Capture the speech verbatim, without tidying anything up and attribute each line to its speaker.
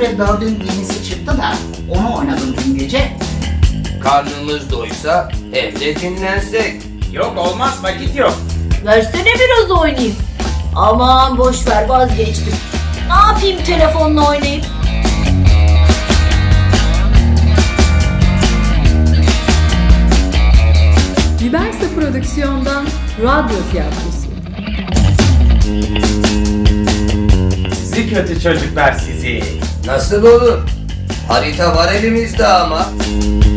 Speaker 1: Biberse Bird'ün yenisi çıktı da onu oynadım dün gece.
Speaker 2: Karnımız doysa hem de dinlensek.
Speaker 3: Yok olmaz, vakit yok.
Speaker 4: Versene biraz oynayayım. Aman boş ver, vazgeçtim. Ne yapayım telefonla oynayıp?
Speaker 5: Biberse Prodüksiyon'dan Radyo Tiyatrosu.
Speaker 3: Sizi kötü çocuklar sizi.
Speaker 2: Nasıl olur? Harita var elimizde ama.